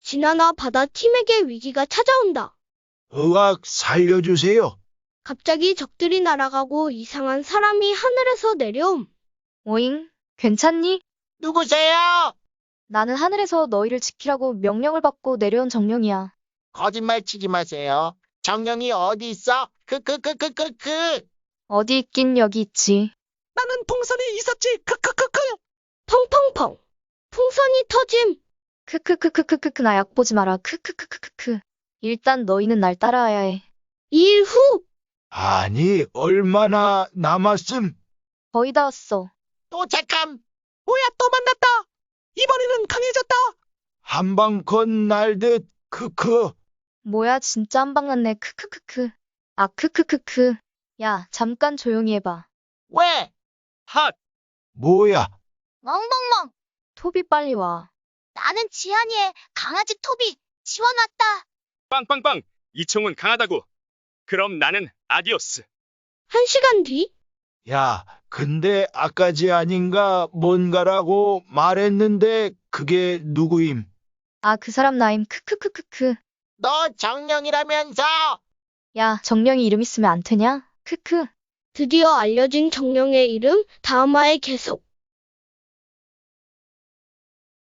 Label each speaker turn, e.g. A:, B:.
A: 진아나 바다 팀에게 위기가 찾아온다.
B: 의학 살려주세요.
A: 갑자기 적들이 날아가고 이상한 사람이 하늘에서 내려옴.
C: 오잉? 괜찮니?
D: 누구세요?
C: 나는 하늘에서 너희를 지키라고 명령을 받고 내려온 정령이야.
D: 거짓말 치지 마세요. 정령이 어디 있어?
C: 어디 있긴 여기 있지.
D: 나는 풍선이 있었지.
A: 펑펑펑. 풍선이 터짐.
C: 크크크크크크크 나 약 보지 마라. 크크크크크크. 일단 너희는 날 따라와야 해.
A: 2일 후.
B: 아니, 얼마나 남았음?
C: 거의 다 왔어.
D: 또 잠깐. 뭐야 또 만났다. 이번에는 강해졌다.
B: 한방 건날듯, 크크.
C: 뭐야 진짜 한 방 났네. 크크크크. 아 크크크크. 야 잠깐 조용히 해봐.
D: 왜?
E: 핫!
B: 뭐야?
F: 멍멍멍.
C: 토비 빨리 와.
F: 나는 지한이의 강아지 토비 지원 왔다.
E: 빵빵빵! 이 총은 강하다고. 그럼 나는 아디오스.
A: 1시간 뒤.
B: 야, 근데 아까지 아닌가 뭔가라고 말했는데 그게 누구임?
C: 아 그 사람 나임. 크크크크크.
D: 너 정령이라면서?
C: 야 정령이 이름 있으면 안 되냐? 크크.
A: 드디어 알려진 정령의 이름 다음화에 계속.